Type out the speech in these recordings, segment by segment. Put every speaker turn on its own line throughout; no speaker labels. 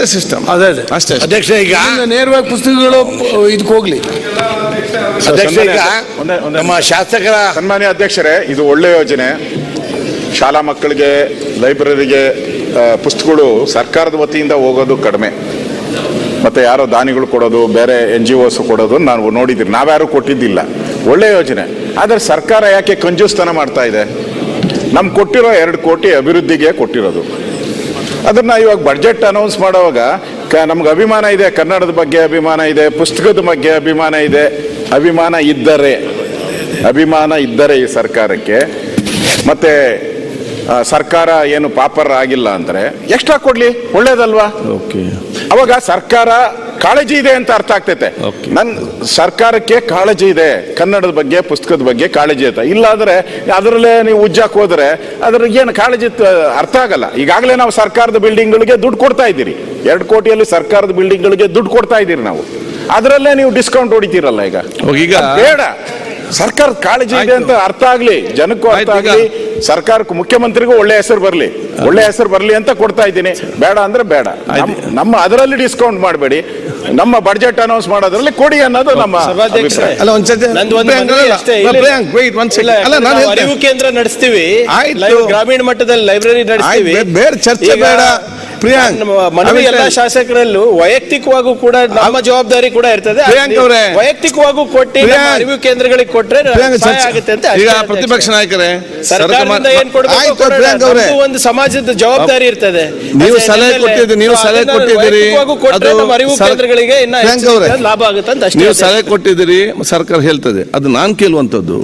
ಅದೇ ಸಿಸ್ಟಮ್.
ಅದೇ
ಅಷ್ಟೇ
ಅಧ್ಯಕ್ಷ. ಈಗ ನೇರವಾಗಿ ಪುಸ್ತಕಗಳು ಇದಕ್ಕೆ ಹೋಗ್ಲಿ. ಅಧ್ಯಕ್ಷ, ಈಗ ನಮ್ಮ ಶಾಸಕರ
ಸನ್ಮಾನ್ಯ ಅಧ್ಯಕ್ಷರೇ, ಇದು ಒಳ್ಳೆ ಯೋಜನೆ. ಶಾಲಾ ಮಕ್ಕಳಿಗೆ ಲೈಬ್ರರಿಗೆ ಪುಸ್ತಕಗಳು ಸರ್ಕಾರದ ವತಿಯಿಂದ ಹೋಗೋದು ಕಡಿಮೆ, ಮತ್ತು ಯಾರೋ ದಾನಿಗಳು ಕೊಡೋದು, ಬೇರೆ NGOs ಕೊಡೋದು ನಾವು ನೋಡಿದ್ದೀರಿ. ನಾವ್ಯಾರು ಕೊಟ್ಟಿದ್ದಿಲ್ಲ. ಒಳ್ಳೆ ಯೋಜನೆ. ಆದರೆ ಸರ್ಕಾರ ಯಾಕೆ ಕಂಜೂಸ್ತನ ಮಾಡ್ತಾ ಇದೆ? ನಮ್ಗೆ ಕೊಟ್ಟಿರೋ 2 ಕೋಟಿ ಅಭಿವೃದ್ಧಿಗೆ ಕೊಟ್ಟಿರೋದು. ಅದನ್ನು ಇವಾಗ ಬಡ್ಜೆಟ್ ಅನೌನ್ಸ್ ಮಾಡುವಾಗ ನಮ್ಗೆ ಅಭಿಮಾನ ಇದೆ, ಕನ್ನಡದ ಬಗ್ಗೆ ಅಭಿಮಾನ ಇದೆ, ಪುಸ್ತಕದ ಬಗ್ಗೆ ಅಭಿಮಾನ ಇದೆ. ಅಭಿಮಾನ ಇದ್ದರೆ ಈ ಸರ್ಕಾರಕ್ಕೆ, ಮತ್ತೆ ಸರ್ಕಾರ ಏನು ಪಾಪರ್ ಆಗಿಲ್ಲ ಅಂದರೆ ಎಕ್ಸ್ಟ್ರಾ ಕೊಡ್ಲಿ, ಒಳ್ಳೇದಲ್ವಾ? ಅವಾಗ ಸರ್ಕಾರ ಕಾಳಜಿ ಇದೆ ಅಂತ ಅರ್ಥ ಆಗ್ತೈತೆ. ನನ್ನ ಸರ್ಕಾರಕ್ಕೆ ಕಾಳಜಿ ಇದೆ, ಕನ್ನಡದ ಬಗ್ಗೆ ಪುಸ್ತಕದ ಬಗ್ಗೆ ಕಾಳಜಿ ಐತೆ. ಇಲ್ಲಾಂದ್ರೆ ಅದರಲ್ಲೇ ನೀವು ಉಜ್ಜಾಕ್ ಹೋದ್ರೆ ಅದ್ರ ಏನು ಕಾಳಜಿ ಅರ್ಥ ಆಗಲ್ಲ. ಈಗಾಗಲೇ ನಾವು ಸರ್ಕಾರದ ಬಿಲ್ಡಿಂಗ್ಗಳಿಗೆ ದುಡ್ಡು ಕೊಡ್ತಾ ಇದ್ದೀರಿ. 2 ಕೋಟಿಯಲ್ಲಿ ಸರ್ಕಾರದ ಬಿಲ್ಡಿಂಗ್ಗಳಿಗೆ ದುಡ್ಡು ಕೊಡ್ತಾ ಇದ್ದೀರಿ ನಾವು. ಅದರಲ್ಲೇ ನೀವು ಡಿಸ್ಕೌಂಟ್ ಹೊಡಿತೀರಲ್ಲ. ಈಗ ಬೇಡ, ಸರ್ಕಾರದ ಕಾಳಜಿ ಇದೆ ಅಂತ ಅರ್ಥ ಆಗ್ಲಿ, ಜನಕ್ಕೂ ಅರ್ಥ ಆಗ್ಲಿ, ಸರ್ಕಾರಕ್ಕೂ ಮುಖ್ಯಮಂತ್ರಿಗೂ ಒಳ್ಳೆ ಹೆಸರು ಬರ್ಲಿ ಅಂತ ಕೊಡ್ತಾ ಇದ್ದೀನಿ. ಬೇಡ ಅಂದ್ರೆ ಬೇಡ, ನಮ್ಮ ಅದರಲ್ಲಿ ಡಿಸ್ಕೌಂಟ್ ಮಾಡಬೇಡಿ, ನಮ್ಮ ಬಡ್ಜೆಟ್ ಅನೌನ್ಸ್ ಮಾಡೋದ್ರಲ್ಲಿ ಕೊಡಿ ಅನ್ನೋದು ನಮ್ಮ
ಅರಿವು ಕೇಂದ್ರ ನಡೆಸ್ತೀವಿ, ಗ್ರಾಮೀಣ ಮಟ್ಟದಲ್ಲಿ ಲೈಬ್ರರಿ ನಡೆಸ್ತೀವಿ.
ಬೇರೆ ಚರ್ಚೆ ಬೇಡ
ಮನವಿ ಎಲ್ಲ ಶಾಸಕರಲ್ಲೂ ವೈಯಕ್ತಿಕವಾಗೂ ಕೂಡ ನಮ್ಮ ಜವಾಬ್ದಾರಿ ಕೂಡ ಇರ್ತದೆ. ವೈಯಕ್ತಿಕವಾಗೂ ಕೊಟ್ಟು ಅರಿವು ಕೇಂದ್ರಗಳಿಗೆ ಕೊಟ್ರೆ ಆಗುತ್ತೆ ಅಂತ.
ಈಗ ಪ್ರತಿಪಕ್ಷ ನಾಯಕರೇ,
ಸರ್ಕಾರದಿಂದ ಏನ್ ಕೊಡಬೇಕು, ಒಂದು ಸಮಾಜದ ಜವಾಬ್ದಾರಿ ಇರ್ತದೆ.
ನೀವು ಸಲಹೆ ಕೊಟ್ಟಿದ್ದೀರಿ,
ಅರಿವು ಕೇಂದ್ರಗಳಿಗೆ ಲಾಭ ಆಗುತ್ತೆ ಅಂತ
ನೀವು ಸಲಹೆ ಕೊಟ್ಟಿದ್ದೀರಿ, ಸರ್ಕಾರ ಹೇಳ್ತದೆ. ಅದು ನಾನು ಕೇಳುವಂಥದ್ದು,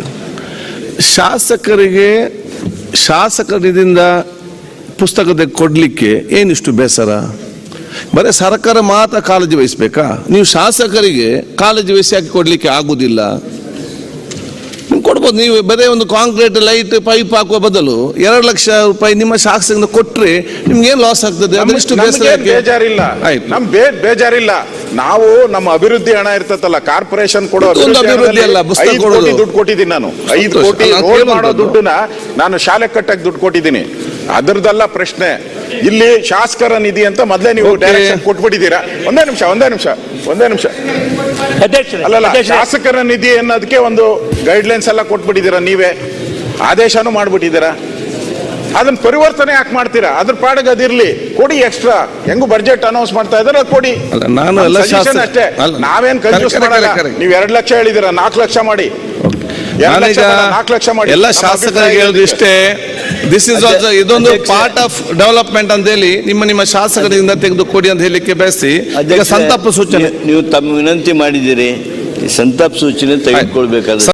ಶಾಸಕರಿಂದ ಪುಸ್ತಕದ ಕೊಡ್ಲಿಕ್ಕೆ ಏನಿಷ್ಟು ಬೇಸರ? ಬರೀ ಸರ್ಕಾರ ಮಾತ್ರ ಕಾಳಜಿ ವಹಿಸ್ಬೇಕಾ? ನೀವು ಶಾಸಕರಿಗೆ ಕಾಳಜಿ ವಹಿಸಿ ಹಾಕಿ ಕೊಡ್ಲಿಕ್ಕೆ ಆಗುದಿಲ್ಲ. ನೀವು ಕೊಡ್ಬೋದು. ನೀವು ಬರೀ ಒಂದು ಕಾಂಕ್ರೀಟ್ ಲೈಟ್ ಪೈಪ್ ಹಾಕುವ ಬದಲು 2 ಲಕ್ಷ ರೂಪಾಯಿ ನಿಮ್ಮ ಶಾಸಕರಿಂದ ಕೊಟ್ರೆ ನಿಮ್ಗೆ ಏನ್ ಲಾಸ್ ಆಗ್ತದೆ? ಅದೆಷ್ಟು
ಬೇಜಾರಿಲ್ಲ, ಬೇಜಾರಿಲ್ಲ. ನಾವು ನಮ್ಮ ಅಭಿವೃದ್ಧಿ ಹಣ ಇರ್ತದಲ್ಲ, ಕಾರ್ಪೊರೇಷನ್ ಕೊಡೋ
ಅಭಿವೃದ್ಧಿ ಅಲ್ಲ, ಪುಸ್ತಕ ಕೊಡೋದು
ದುಡ್ಡು ಕೊಟ್ಟಿದ್ದೀನಿ ನಾನು. 5 ಕೋಟಿ ಮಾಡೋ ದುಡ್ಡನ್ನ ನಾನು ಶಾಲೆ ಕಟ್ಟಕ್ಕೆ ದುಡ್ಡು ಕೊಟ್ಟಿದ್ದೀನಿ. ಅದರದಲ್ಲ ಪ್ರಶ್ನೆ. ಇಲ್ಲಿ ಶಾಸಕರ ನಿಧಿ ಅಂತ ಮೊದಲೇ ನೀವು ಡೈರೆಕ್ಷನ್ ಕೊಟ್ಬಿಟ್ಟಿದ್ದೀರಾ. ಒಂದೇ ನಿಮಿಷ ಅಲ್ಲಲ್ಲ, ಶಾಸಕರ ನಿಧಿ ಅನ್ನೋದಕ್ಕೆ ಒಂದು ಗೈಡ್ಲೈನ್ಸ್ ಎಲ್ಲ ಕೊಟ್ಬಿಟ್ಟಿದ್ದೀರಾ, ನೀವೇ ಆದೇಶನೂ ಮಾಡ್ಬಿಟ್ಟಿದ್ದೀರಾ. ಅದನ್ನ ಪರಿವರ್ತನೆ ಯಾಕೆ ಮಾಡ್ತೀರಾ? ಅದ್ರ ಪಾಡಿಗೆ ಅದಿರ್ಲಿ, ಕೊಡಿ ಎಕ್ಸ್ಟ್ರಾ. ಹೆಂಗು ಬಡ್ಜೆಟ್ ಅನೌನ್ಸ್ ಮಾಡ್ತಾ ಇದ್ದಾರೆ, ಕೊಡಿ. ಅಷ್ಟೇ, ನಾವೇನ್ ಕನ್ಫ್ಯೂಸ್ ಮಾಡಲ್ಲ. ನೀವು 2 ಲಕ್ಷ ಹೇಳಿದ್ದೀರಾ, 4 ಲಕ್ಷ ಮಾಡಿ. 4 ಲಕ್ಷ ಮಾಡಿ.
ಎಲ್ಲ ಶಾಸಕರಿಗೆ ಹೇಳಿದ್ರೆ ಇಷ್ಟೇ, ದಿಸ್ ಇಸ್ ಆಲ್ಸೋ ಇದೊಂದು ಪಾರ್ಟ್ ಆಫ್ ಡೆವಲಪ್ಮೆಂಟ್ ಅಂತ ಹೇಳಿ ನಿಮ್ಮ ಶಾಸಕರಿಂದ ತೆಗೆದು ಕೊಡಿ ಅಂತ ಹೇಳಲಿಕ್ಕೆ ಬಯಸಿ. ಈಗ ಸಂತಾಪ ಸೂಚನೆ
ನೀವು ತಮ್ಮ ವಿನಂತಿ ಮಾಡಿದ್ದೀರಿ, ಸಂತಾಪ ಸೂಚನೆ ತೆಗೆದುಕೊಳ್ಬೇಕಾದ್ರೆ